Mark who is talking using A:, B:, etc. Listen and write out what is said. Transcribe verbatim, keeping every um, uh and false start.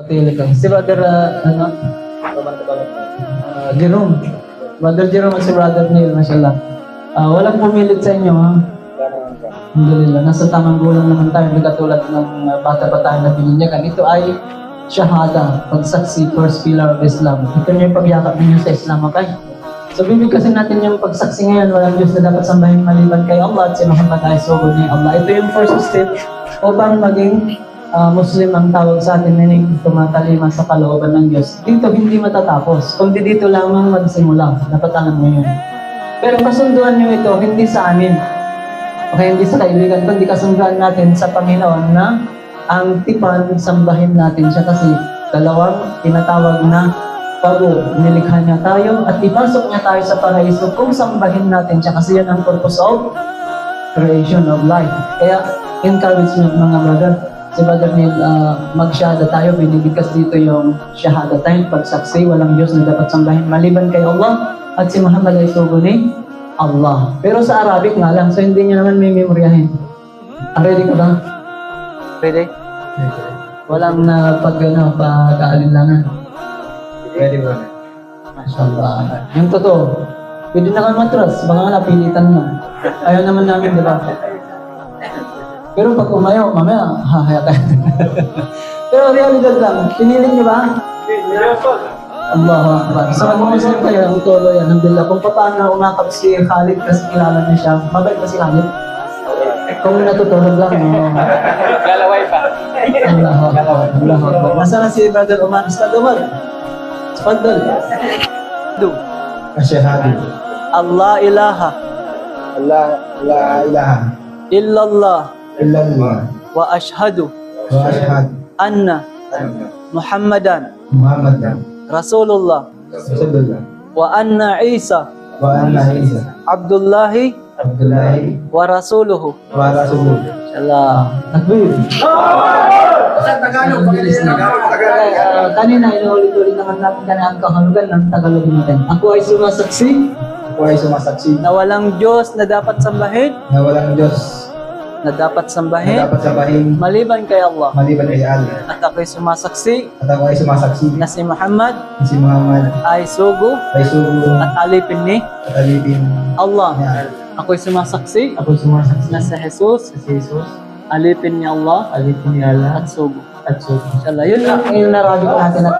A: Pili ka. Si Brother, uh, ano? Uh, Jerome. Brother Jerome at si Brother Neil, mashallah. Uh, walang pumilit sa inyo, ha? Alhamdulillah. Nasa tamang gulang naman tayo. Hindi katulad ng uh, bata-bata na bininyagan. Ito ay shahada, pagsaksi, first pillar of Islam. Ito na yung pagyakap ninyo sa Islam, okay? So, bibigkasin natin yung pagsaksi ngayon. Walang Diyos na dapat sambahin maliban kay Allah at si Muhammad ay sugod ni Allah. Ito yung first step upang maging uh, Muslim ang tawag sa atin, meaning tumatalima sa kalooban ng Diyos. Dito hindi matatapos, kundi dito lamang magsimula. Dapat alam mo yun. Pero kasunduan nyo ito, hindi sa amin. Okay, hindi sa kaibigan, kundi kasunduan natin sa Panginoon na ang tipan, sambahin natin siya kasi dalawang tinatawag na bago nilikha niya tayo at ipasok niya tayo sa paraiso kung sambahin natin siya kasi yan ang purpose of creation of life. Kaya encouragement mga brother, si Brother Neil, uh, mag-shahada tayo, binibigkas dito yung shahada tayo, pagsaksi, walang Diyos na dapat sambahin maliban kay Allah at si Muhammad ay sugo ni Allah. Pero sa Arabic nga lang, so hindi niya naman may memoryahin. Ah, ready ka ba? Ready? Walang na uh, pag ano, pagkaalinlangan.
B: Ready ba?
A: Mashallah. Yung totoo, pwede na kayo matras, baka nga napilitan mo. Ayaw naman namin, di ba? Pero pag umayaw, mamaya, hahaya tayo. Pero realidad lang, piniling niyo ba? Allahu Akbar. So mag-Muslim kayo, ang tolo yan, alhamdulillah. Kung paano umakap si Khalid kasi kilala niya siya, mabait ba si Khalid? Kung natutulog lang, no?
B: Galaway pa.
A: Allahu Akbar. Allahu Akbar. Nasaan na si Brother Umar? Ustad Umar? Tafadhal. Do.
B: Asyhadu.
A: Allah ilaha.
B: Allah la ilaha
A: Illallah.
B: illallah
A: Wa ashhadu.
B: wa asyhadu
A: Anna.
B: anna
A: Muhammadan.
B: Muhammadan
A: Rasulullah.
B: Rasulullah
A: Wa anna Isa.
B: wa anna Isa
A: Abdullahi.
B: Abdullahi
A: Wa rasuluhu.
B: wa rasuluh.
A: Inshallah. Takbir.
B: Sa Tagalog, pag-ilis na
A: Uh, kanina, inuulit-ulit naman natin kanina ang kahulugan ng Tagalog natin. Ako ay sumasaksi
B: Ako ay sumasaksi
A: na walang Diyos na dapat sambahin,
B: na walang Diyos
A: na dapat
B: na
A: sambahin,
B: dapat sabahin
A: maliban kay Allah.
B: maliban kay Allah.
A: At ako ay sumasaksi
B: At ako ay sumasaksi
A: na si Muhammad
B: na si Muhammad
A: ay sugo
B: ay sugo
A: at alipin ni
B: at alipin
A: Allah.
B: niya.
A: Ako ay sumasaksi
B: Ako ay sumasaksi
A: na si Jesus,
B: si Jesus,
A: alipin ni Allah
B: alipin ni Allah
A: at sugo.
B: at sugo.
A: Inshallah, yun lang yung narabi natin at